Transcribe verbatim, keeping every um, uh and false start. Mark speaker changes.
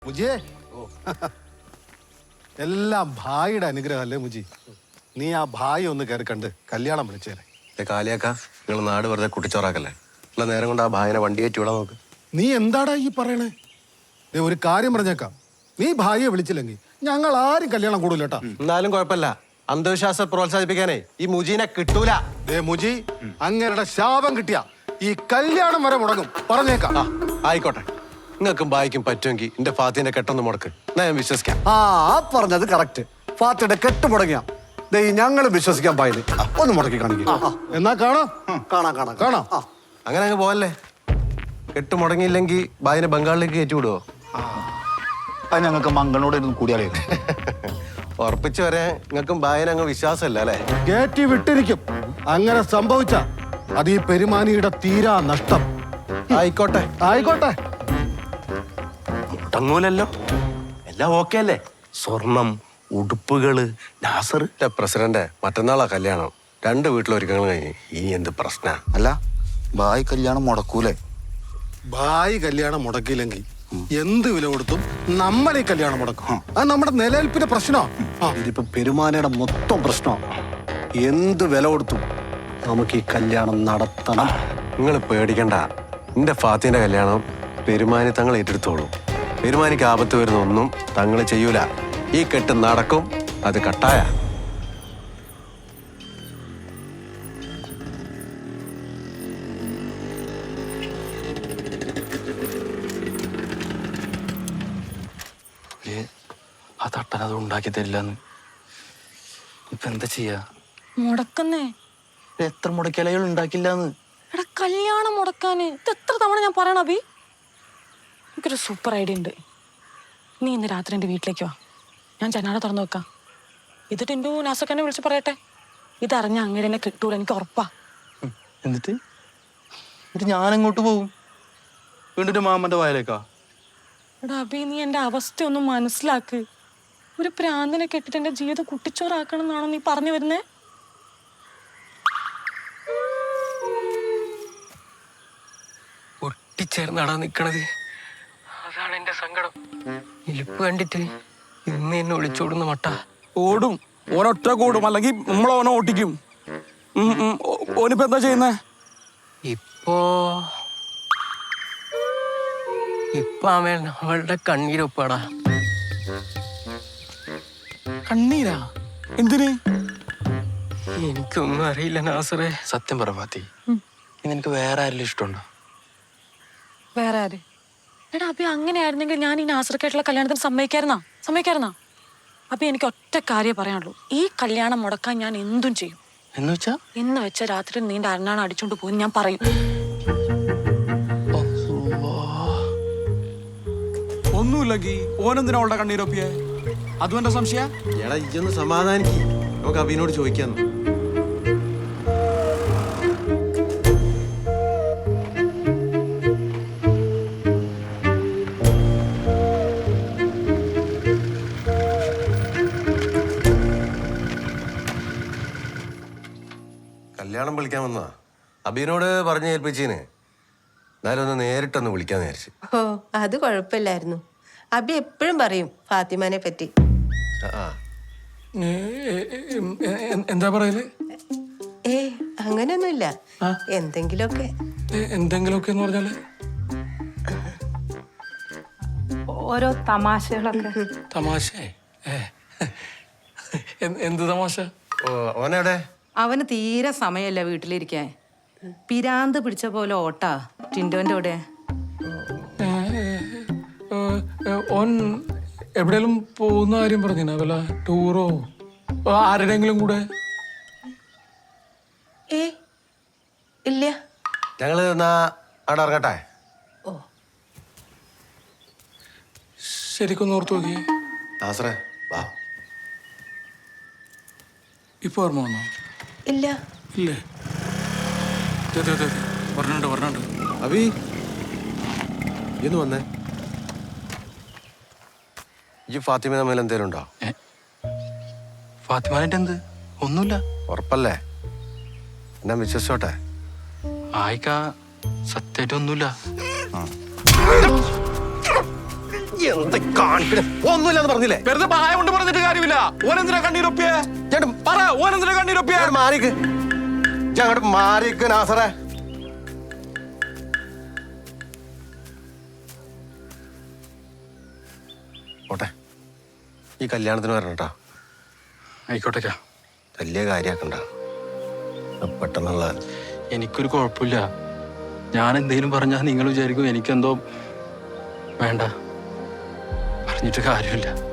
Speaker 1: മുജിയെ എല്ലാം ഭായിയുടെ അനുഗ്രഹമല്ലേ മുജി. നീ ആ ഭായി ഒന്ന് കയറി കണ്ട് കല്യാണം വിളിച്ചേരെ.
Speaker 2: കാലിയാക്ക നിങ്ങൾ നാട് വെറുതെ കുട്ടിച്ചോറാക്കല്ലേ. ഉള്ള നേരം കൊണ്ട് ആ ഭായിനെ വണ്ടി കയറ്റി വിടാൻ നോക്ക്.
Speaker 1: നീ എന്താടാ ഈ പറയണേ? നീ ഒരു കാര്യം പറഞ്ഞേക്കാം, നീ ഭായിയെ വിളിച്ചില്ലെങ്കിൽ ഞങ്ങൾ ആരും കല്യാണം കൂടൂല കേട്ടാ.
Speaker 2: എന്നാലും കുഴപ്പമില്ല, അന്ധവിശ്വാസം പ്രോത്സാഹിപ്പിക്കാനേ ഈ മുജീനെ കിട്ടൂല.
Speaker 1: ദേ മുജി, അങ്ങേരുടെ ശാപം കിട്ടിയ ഈ കല്യാണം വരെ മുടങ്ങും, പറഞ്ഞേക്കാം.
Speaker 2: ആയിക്കോട്ടെ, നിങ്ങൾക്കും ഭായിക്കും പറ്റുമെങ്കിൽ എന്റെ ഫാത്തിന്റെ കെട്ടൊന്ന് മുടക്ക്, എന്നാ ഞാൻ വിശ്വസിക്കാം.
Speaker 3: ആ പറഞ്ഞത് കറക്റ്റ്. ഫാത്തിയുടെ കെട്ട് മുടങ്ങിയ ഞങ്ങൾ വിശ്വസിക്കാൻ പായില് ഒന്ന് മുടക്കി കാണിക്കും.
Speaker 1: എന്നാ കാണാം
Speaker 3: കാണാം കാണാം
Speaker 1: കാണാം.
Speaker 2: അങ്ങനെ അങ്ങ് പോവല്ലേ. കെട്ട് മുടങ്ങിയില്ലെങ്കിൽ ഭായിനെ ബംഗാളിലേക്ക് കയറ്റി വിടുവോ?
Speaker 4: അത് ഞങ്ങൾക്ക് മംഗളോട് ഇരുന്ന് കൂടിയാലേ
Speaker 2: ഉറപ്പിച്ചു വരെ നിങ്ങൾക്കും ഭായിനെ അങ്ങ് വിശ്വാസമല്ല അല്ലേ?
Speaker 1: കയറ്റി വിട്ടിരിക്കും. അങ്ങനെ സംഭവിച്ച അത് ഈ പെരുമാനിയുടെ തീരാ നഷ്ടം.
Speaker 2: ആയിക്കോട്ടെ
Speaker 1: ആയിക്കോട്ടെ.
Speaker 4: മുടങ്ങൂലല്ലോ, എല്ലാം ഓക്കെ അല്ലേ? സ്വർണം, ഉടുപ്പുകള്, നാസർ.
Speaker 2: പ്രസിഡന്റ്, മറ്റന്നാളാ കല്യാണം. രണ്ട് വീട്ടിലൊരുക്കങ്ങൾ കഴിഞ്ഞ് ഇനി എന്ത് പ്രശ്ന?
Speaker 4: അല്ല, ഭായ് കല്യാണം മുടക്കൂലേ?
Speaker 1: ഭായി കല്യാണം മുടക്കിയില്ലെങ്കിൽ എന്ത് വില കൊടുത്തും നമ്മൾ ഈ കല്യാണം മുടക്കും. അത് നമ്മുടെ നിലനിൽപ്പിന്റെ പ്രശ്നമാണ്.
Speaker 3: ഇതിപ്പോ പെരുമാനയുടെ മൊത്തം പ്രശ്നമാണ്. എന്ത് വില കൊടുത്തും നമുക്ക് ഈ കല്യാണം നടത്തണം.
Speaker 2: നിങ്ങൾ പേടിക്കണ്ട, എന്റെ ഫാത്തിന്റെ കല്യാണം പെരുമാനി തങ്ങൾ ഏറ്റെടുത്തോളൂ. പെരുമാനിക്ക് ആപത്ത് വരുന്ന ഒന്നും തങ്ങൾ ചെയ്യൂല. ഈ കെട്ട് നടക്കും, അത് കട്ടായ.
Speaker 4: ആ തട്ടൻ അത് ഉണ്ടാക്കി തരില്ലെന്ന് ഇപ്പൊ എന്താ ചെയ്യാ?
Speaker 5: മുടക്കുന്നേ
Speaker 4: എത്ര മുടക്കലകൾ ഉണ്ടാക്കില്ലാന്ന്.
Speaker 5: എടാ, കല്യാണം മുടക്കാന് ഇത് എത്ര തവണ ഞാൻ പറയണ അഭി? എനിക്കൊരു സൂപ്പർ ഐഡിയ ഉണ്ട്. നീ ഇന്ന് രാത്രി എൻ്റെ വീട്ടിലേക്ക് വാ, ഞാൻ ജനാല തുറന്നു വെക്കാം. ഇത് ടിൻഡു നാസക്കനെ വിളിച്ച് പറയട്ടെ. ഇതറിഞ്ഞ അങ്ങനെ എന്നെ കിട്ടൂല, എനിക്ക് ഉറപ്പാ.
Speaker 4: എന്നിട്ട് എന്നിട്ട് ഞാൻ എങ്ങോട്ട് പോകും? വീണ്ടും മാമന്റെ വയലേക്കാ?
Speaker 5: എടാ അഭി, നീ എൻ്റെ അവസ്ഥ ഒന്ന് മനസ്സിലാക്ക്. ഒരു പ്രാന്തിനെ കെട്ടിട്ട് എൻ്റെ ജീവിതം കുട്ടിച്ചോറാക്കണം എന്നാണോ നീ പറഞ്ഞു വരുന്നേ?
Speaker 6: ഒട്ടിച്ചേർന്നാടാ നിക്കണത്. അതാണ് എന്റെ സങ്കടം. ഇലിപ്പ് കണ്ടിട്ട് ഇന്ന് എന്നെ ഒളിച്ചോടുന്ന മട്ട.
Speaker 7: ഓടും, ഓനൊറ്റ കൂടും, അല്ലെങ്കിൽ നമ്മളോനെ ഓട്ടിക്കും. ഓനിപ്പോ എന്താ ചെയ്യുന്നേ?
Speaker 6: ഇപ്പോ ഇപ്പൊ അവൻ അവളുടെ കണ്ണീരൊപ്പാടാ.
Speaker 7: കണ്ണീരാ? എന്തിന്?
Speaker 6: എനിക്കൊന്നും അറിയില്ല നാസറേ.
Speaker 4: സത്യം പറ ഫാത്തി, നിനക്ക് വേറെ ആരെങ്കിലും ഇഷ്ടമുണ്ടോ?
Speaker 5: വേറെ ആര്? എടാ അഭി, അങ്ങനെയായിരുന്നെങ്കിൽ ഞാൻ ഈ നാസർക്കായിട്ടുള്ള കല്യാണത്തിന് സമ്മതിക്കായിരുന്നാ സമ്മതിക്കായിരുന്നാ അഭി, എനിക്ക് ഒറ്റ കാര്യം പറയാനുള്ളൂ. ഈ കല്യാണം മുടക്കാൻ ഞാൻ എന്തും ചെയ്യും.
Speaker 4: എന്ന് വെച്ചാ?
Speaker 5: എന്ന് വെച്ച രാത്രി നീണ്ട അരണാണ് അടിച്ചോണ്ട് പോയി ഞാൻ പറയും.
Speaker 7: ഒന്നുമില്ലെങ്കിൽ ഓനെന്തിനാ അവളുടെ കണ്ണീരൊപ്പിയെ? അതും എന്റെ സംശയ.
Speaker 2: എടാ, ഇതൊന്ന് സമാധാനിക്ക്, നമുക്ക് അഭിനോട് ചോദിക്കാന്ന്. കല്യാണം വിളിക്കാൻ വന്നാ അബീനോട് പറഞ്ഞു ഏൽപ്പിച്ചീന്. എന്നാലും ഒന്ന് നേരിട്ടൊന്ന് വിളിക്കാന്ന് വിചാരിച്ചു.
Speaker 8: ഓ, അത് കുഴപ്പമില്ലായിരുന്നു. അബി എപ്പോഴും പറയും ഫാത്തിമാനെ പറ്റി.
Speaker 6: എന്താ പറയല്?
Speaker 8: ഏ അങ്ങനെയൊന്നുമില്ല, എന്തെങ്കിലുമൊക്കെ.
Speaker 6: എന്തെങ്കിലുമൊക്കെ എന്ന് പറഞ്ഞാല്
Speaker 9: ഓരോ തമാശകളൊക്കെ.
Speaker 6: തമാശ? എന്ത് തമാശ?
Speaker 2: ഓനെവിടെ?
Speaker 9: അവന് തീരെ സമയമല്ല വീട്ടിലിരിക്കാൻ. പിരാന്ത് പിടിച്ച പോലെ ഓട്ടാ ടിൻഡോന്റെ കൂടെ.
Speaker 6: ഓൻ എവിടെയെങ്കിലും പോകുന്ന കാര്യം പറഞ്ഞിനാ? വല്ല ടൂറോ ആരുടെങ്കിലും കൂടെ?
Speaker 8: ഏ ഇല്ല.
Speaker 2: ഞങ്ങള് എന്നാ അവിടെ ഇറങ്ങട്ടെ.
Speaker 8: ഓ
Speaker 6: ശരിക്കൊന്ന് ഓർത്തു നോക്കിയേ.
Speaker 2: നാസറേ വാ.
Speaker 6: ഇപ്പൊ ഓർമ്മ വന്നോ?
Speaker 8: ഇല്ല.
Speaker 6: ഇല്ലേ? പറഞ്ഞിട്ടുണ്ട് പറഞ്ഞിട്ടുണ്ട്.
Speaker 2: അബി ഇന്ന് വന്നേ. ഈ ഫാത്തിമ തമ്മിൽ എന്തേലും ഉണ്ടോ?
Speaker 4: ഫാത്തിമാനായിട്ട് എന്ത്? ഒന്നുമില്ല.
Speaker 2: ഉറപ്പല്ലേ? എന്നാ വിശ്വസിച്ചോട്ടെ.
Speaker 4: ആയിക്കാ, സത്യമായിട്ട് ഒന്നുമില്ല.
Speaker 2: എന്ത് കാണിക്കണേ ഒന്നുമില്ലെന്ന് പറഞ്ഞില്ലേ
Speaker 7: വെറുതെ പായ കൊണ്ട് പറഞ്ഞിട്ട് കാര്യമില്ല. ഓനെന്തിനാ കണ്ണീരൊപ്പിയേ?
Speaker 2: ചേട്ടൻ
Speaker 7: പറ, ഓനെന്തിനാ കണ്ണീരൊപ്പിയേ?
Speaker 2: അങ്ങോട്ട് മാറിക്ക് ഞാൻ അങ്ങോട്ട് മാറിക്ക് നാസറേ. ഓട്ടെ ഈ കല്യാണത്തിന് വരണം കേട്ടോ.
Speaker 4: ആയിക്കോട്ടേക്കാ.
Speaker 2: വലിയ കാര്യാക്കണ്ട പെട്ടെന്നുള്ള.
Speaker 4: എനിക്കൊരു കുഴപ്പമില്ല. ഞാൻ എന്തെങ്കിലും പറഞ്ഞാൽ നിങ്ങൾ വിചാരിക്കും എനിക്കെന്തോ വേണ്ട. പറഞ്ഞിട്ട് കാര്യമില്ല.